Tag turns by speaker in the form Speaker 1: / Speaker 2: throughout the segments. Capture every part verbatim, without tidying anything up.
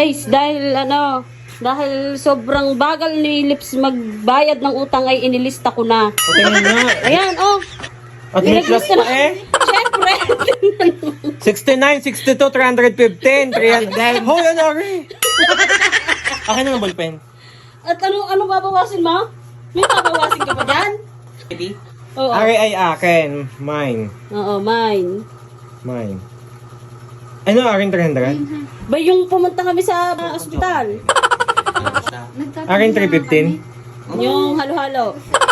Speaker 1: Guys, dahil ano, dahil sobrang bagal ni Lips magbayad ng utang ay inilista ko na.
Speaker 2: Tingnan nga.
Speaker 1: Ayan, oh.
Speaker 2: At may plus
Speaker 1: Nilista
Speaker 2: pa
Speaker 1: na-
Speaker 2: eh.
Speaker 1: Siyempre.
Speaker 2: sixty-nine, sixty-two, three fifteen, three hundred. Hoy, ano rin? Akin na ng ballpen.
Speaker 1: At ano, ano babawasin mo? May babawasin ka pa dyan? Oo.
Speaker 2: Ari ay akin. Mine.
Speaker 1: Oo, mine.
Speaker 2: Mine. Ano, aking three hundred?
Speaker 1: Ba yung pumunta kami sa uh, ospital?
Speaker 2: Aking three fifteen?
Speaker 1: Yung halo-halo.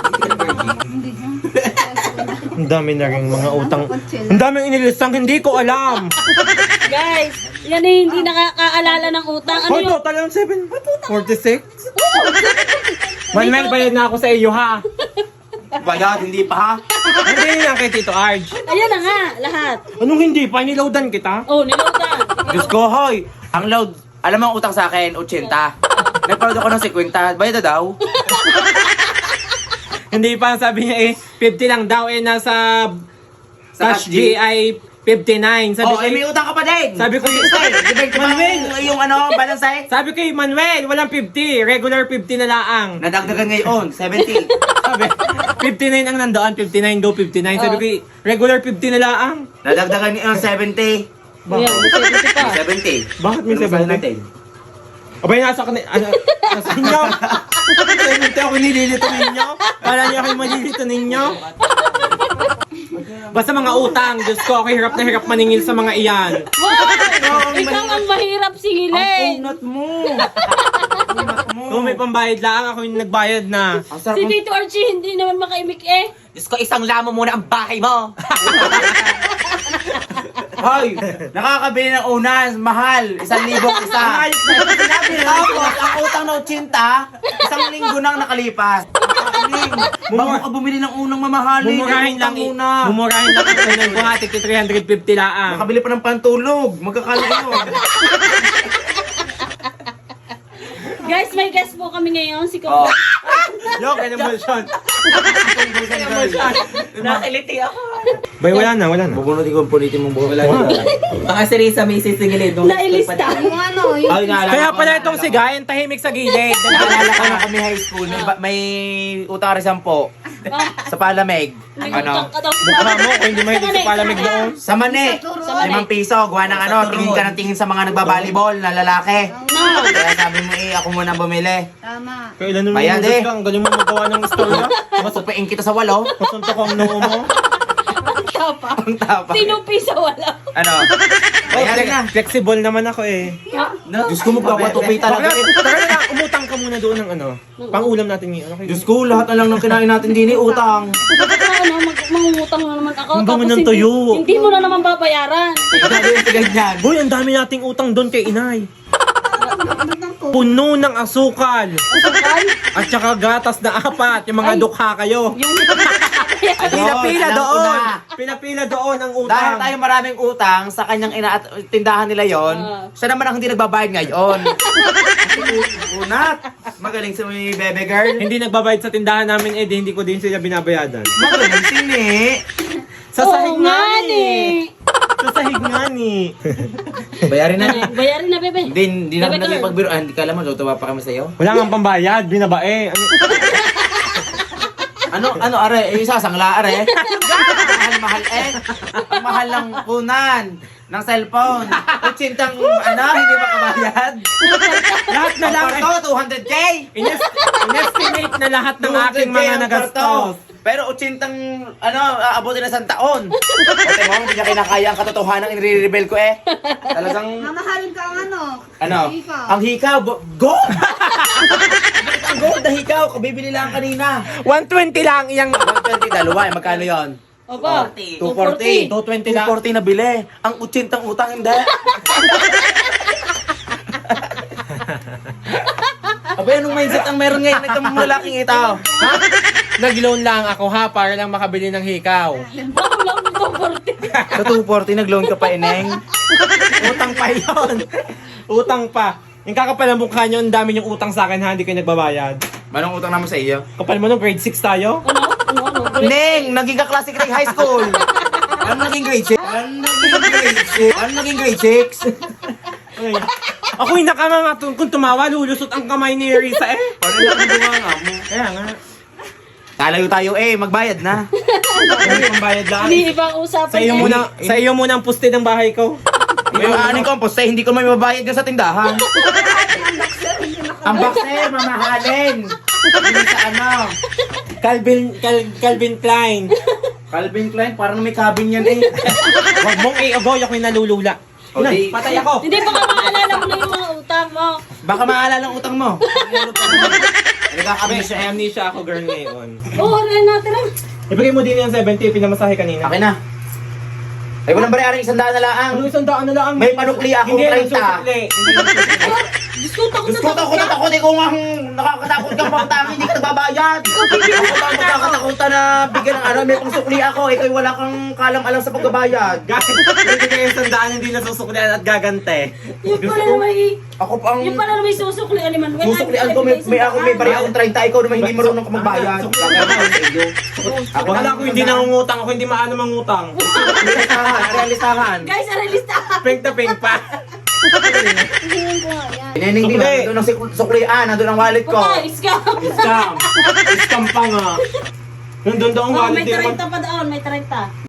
Speaker 2: Ang dami na rin mga utang. Ang daming inilistang hindi ko alam.
Speaker 1: Guys, yan eh, hindi nakakaalala ng utang. Ano
Speaker 2: Hoy,
Speaker 1: yung...
Speaker 2: total lang seven forty-six? One man bayad na ako sa iyo ha.
Speaker 3: Bayad, hindi pa ha?
Speaker 2: Hindi na kay Tito Arj.
Speaker 1: Ayan na nga, lahat.
Speaker 2: Anong hindi pa? Niloadan kita?
Speaker 1: Oh, nilautan.
Speaker 3: Diyos ko, hoy! Ang load, alam mo ang utang sa akin, eighty. Nagparod ako ng fifty, bayad na daw.
Speaker 2: Hindi pa, sabi niya eh, fifty lang daw eh, nasa
Speaker 3: Sa
Speaker 2: cash
Speaker 3: cash
Speaker 2: G ay fifty-nine. Sabi
Speaker 3: Oh,
Speaker 2: ko,
Speaker 3: eh, may utang ka pa din!
Speaker 2: Sabi ko,
Speaker 3: Stay, di ba
Speaker 2: Manuel!
Speaker 3: yung, yung ano, balance eh?
Speaker 2: sabi ko eh, Manuel, walang fifty. Regular fifty na laang.
Speaker 3: Nadagdagan ngayon, seventy.
Speaker 2: Sabi, fifty-nine ang nandoon, fifty-nine do fifty-nine. Sabi ko eh, regular fifty na laang.
Speaker 3: Nadagdagan ngayon, seventy.
Speaker 1: Ayan, may seventy pa.
Speaker 3: seventy.
Speaker 2: Bakit may
Speaker 3: Ano ba
Speaker 2: seventy?
Speaker 3: natin?
Speaker 2: Abay, nasa kanil, ano, nasa inyo. seventy ako nililito ninyo. Para niyo ako yung malilito ninyo. Basta mga utang, Diyos ko, ako hirap na hirap maningil sa mga iyan.
Speaker 1: Wow! Ikaw ang mahirap
Speaker 3: Ang
Speaker 1: singilin.
Speaker 3: unat mo! Unat mo!
Speaker 2: Kung may pambayad lang, ako yung nagbayad na.
Speaker 3: Ang sarap
Speaker 1: Si
Speaker 3: ng-
Speaker 1: Tito Archie hindi naman makaimik eh.
Speaker 3: Diyos ko, isang lamo muna ang bahay mo! Hoy! Nakakabili ng unas, mahal! Isang libong isa! Tapos, ang utang na otsinta, isang linggo nang nakalipas. Bago ka bumili ng unang mamahalin,
Speaker 2: Mumurahin lang,
Speaker 3: utang
Speaker 2: i-
Speaker 3: muna.
Speaker 2: mumurahin lang ang unang buhati kay three fifty laang.
Speaker 3: Makabili pa ng pantulog. Magkakalo yun.
Speaker 1: Guys, may guest po kami ngayon. Si
Speaker 3: Oh.
Speaker 1: Kuya.
Speaker 2: Yok, emulsion.
Speaker 3: Nakiliti ako.
Speaker 2: Bay, wala na, wala na.
Speaker 3: Bubunutin ko ang pulitin mong buhok.
Speaker 4: Baka si Risa may sisingilid.
Speaker 1: Nailista.
Speaker 5: Yung ano, yung
Speaker 3: Ay, naalala
Speaker 2: Kaya
Speaker 3: ko,
Speaker 2: pala
Speaker 3: naalala
Speaker 2: itong
Speaker 3: ko.
Speaker 2: si Guy, ang tahimik sa gilid.
Speaker 3: Naalala ko nung kami high school, may, ba- may utang rin sampo sa Palamig.
Speaker 1: May
Speaker 3: Ano?
Speaker 1: utang ka daw.
Speaker 2: Mukha mo, kung hindi mahilig sa palamig doon.
Speaker 3: Sa mani, limang piso, gawa ng ano, tingin ka ng tingin sa mga nagbabalibol na lalaki.
Speaker 1: No.
Speaker 3: Kaya sabi mo eh, ako muna bumili.
Speaker 5: tama.
Speaker 2: Kailan naman
Speaker 3: Bayad
Speaker 2: mo
Speaker 3: eh.
Speaker 2: ka, ang galing mo magawa ng istorya.
Speaker 3: Masupain kita sa walo.
Speaker 2: Kasuntok ang noo mo.
Speaker 1: Ang tapa.
Speaker 3: Ang tapa.
Speaker 1: Tinupi sa wala.
Speaker 3: Ano? Bayari na.
Speaker 2: Flexible naman ako eh.
Speaker 3: Diyos ko, magpapatupi talaga eh.
Speaker 2: Tara na, umutang ka muna doon ng ano. Pang-ulam natin yun. Okay.
Speaker 3: Diyos ko, lahat na lang ng kinain natin din eh, utang.
Speaker 1: Bakit na ano, mag mangungutang na naman ako.
Speaker 2: Ang dami
Speaker 1: tapos
Speaker 2: ng
Speaker 1: hindi-
Speaker 2: tuyo.
Speaker 1: Hindi mo na naman babayaran.
Speaker 3: Grabe yung ganyan.
Speaker 2: Boy, ang dami nating utang doon kay inay. Puno ng asukal.
Speaker 1: Asukal?
Speaker 2: At saka gatas na apat. Yung mga
Speaker 1: Ay.
Speaker 2: dukha kayo.
Speaker 1: Yung
Speaker 2: Pinapila
Speaker 3: alam ko
Speaker 2: doon.
Speaker 3: na.
Speaker 2: Pinapila doon ang
Speaker 3: Dahil
Speaker 2: utang.
Speaker 3: tayo maraming utang sa kanyang ina at tindahan nila yon,
Speaker 1: Ah.
Speaker 3: siya naman ang hindi nagbabayad ngayon. Unat! Magaling si bebe girl.
Speaker 2: Hindi nagbabayad sa tindahan namin eh, di hindi ko din sila binabayadan.
Speaker 3: Magaling sini.
Speaker 2: Sa sahig
Speaker 1: Oo
Speaker 2: nga
Speaker 1: nga
Speaker 2: ni.
Speaker 1: ni.
Speaker 2: Sa sahig nga ni.
Speaker 3: Bayarin na.
Speaker 1: Bayarin na, bebe.
Speaker 3: Hindi, hindi na
Speaker 1: Bebe
Speaker 3: kami
Speaker 1: girl.
Speaker 3: nagpagbiro. Ah, hindi ka alam mo, tutuwa pa kami sa'yo.
Speaker 2: Wala nga pambayad, binabae. Ano?
Speaker 3: Ano, ano, are, eh, isa, sangla, are. Mahal, mahal, eh. Ang mahal ng kunan ng cellphone. Utsintang, ano, hindi makabayad.
Speaker 2: Lahat na
Speaker 3: Ang
Speaker 2: lang.
Speaker 3: kwarto, two hundred K.
Speaker 2: Ines- Inestimate na lahat ng aking mga
Speaker 3: two hundred K ang
Speaker 2: nagastos.
Speaker 3: kwarto. Pero utsintang, ano, aabutin na isang taon. Ote mo, hindi niya kinakaya ang katotohanan, inire-rebel ko eh. Talagang,
Speaker 5: Mamahal ka ang ano.
Speaker 3: ano,
Speaker 5: Ikaw.
Speaker 3: ang hikaw, bo- gold! Ang gold na hikaw, kabibili lang kanina.
Speaker 2: one twenty lang iyang...
Speaker 3: one twenty, dalawa, eh, magkano yon?
Speaker 1: Opo.
Speaker 3: two forty.
Speaker 2: two twenty lang.
Speaker 3: two forty na bili. Ang utsintang utang, hindi. Abay, anong mindset ang meron ngayon ng lalaking ito?
Speaker 2: Ha? Nag-loan lang ako ha, para lang makabili ng hikaw.
Speaker 1: Bakit lang ito forty?
Speaker 3: Sa two forty, nag-loan ka pa, ineng.
Speaker 2: Utang pa yun. Utang pa. Yung kakapal ang mukha nyo, ang dami yung utang sa akin ha, hindi kayo nagbabayad.
Speaker 3: Manong utang naman sa iyo?
Speaker 2: Kapal mo nung grade six tayo?
Speaker 1: Ano? Ano? Ano?
Speaker 3: Neng, naging ka-classic ring high school. Ano naging grade six? Ano naging grade six? Ano naging grade six?
Speaker 2: Ay, Ako'y nakamangatun kung tumawa, lulusot ang kamay ni Risa eh.
Speaker 3: Paano na ang nga mo?
Speaker 2: Kaya nga.
Speaker 3: Kalayo tayo eh, magbayad na.
Speaker 2: Hindi pambayad lang.
Speaker 1: Hindi ibang usapan
Speaker 2: Sa iyo
Speaker 1: yan.
Speaker 2: muna, sa iyo muna ang puste ng bahay ko.
Speaker 3: May aanin ko ang poste, hindi ko may mabayad ka sa tindahan. Ang boxer, mamahalin. Hindi sa ano.
Speaker 2: Calvin, Cal, Calvin Klein.
Speaker 3: Calvin Klein, parang may cabin yan eh.
Speaker 2: Huwag mong i-avoid ako'y nalulula.
Speaker 3: O, di-
Speaker 2: Patay ako.
Speaker 1: Hindi baka maalala mo na yung mga utang mo.
Speaker 3: Baka maalala ang utang mo. Nagkakabit siya.
Speaker 2: Amnesia, amnesia ako girl ngayon.
Speaker 1: Oo, oh, natin lang.
Speaker 2: Ibigay mo din yung seventy, pinamasahe kanina.
Speaker 3: Akin na. Ay, walang bari isang daan na lang.
Speaker 2: Ano isang daan na lang?
Speaker 3: May panukli ako,
Speaker 2: Hindi,
Speaker 3: thirty.
Speaker 2: nagsusukli. Hindi nagsusukli.
Speaker 1: Diyos ko, takot na
Speaker 3: Diyos ko, takot na takot. Ikaw nga ang nakakatakot kang pangtang, hindi ka nagbabayad. Ako pa ang magkakatakutan na bigyan ng ano, may pangsukli ako. Ikaw wala kang kalam-alam sa pagbabayad.
Speaker 2: Guys, ibigay yung isang daan, hindi nasusuklian at gagante.
Speaker 1: Yung pala na may...
Speaker 3: Ako pa ang
Speaker 1: Yung pala na may susuklian ni Manuel.
Speaker 3: susuklian ko, may, may ako, may bari akong thirty. Ikaw naman hindi marunong ka magbayad. Ako
Speaker 2: Akala ko hindi nangungutang, ako hindi maano mangutang.
Speaker 3: Realistahan, realistahan.
Speaker 1: Guys, aralista.
Speaker 2: Pink na pink pa.
Speaker 5: Hingin ko nga yan.
Speaker 3: Inening di ba?
Speaker 2: Sukli.
Speaker 3: Nandun ang suk- suklian, nandun ang wallet ko.
Speaker 1: Baka, scam.
Speaker 2: Scam. Scam pa nga. Nandun daw ang
Speaker 1: Oh,
Speaker 2: wallet
Speaker 1: may
Speaker 2: din.
Speaker 1: trenta pa doon, may trenta.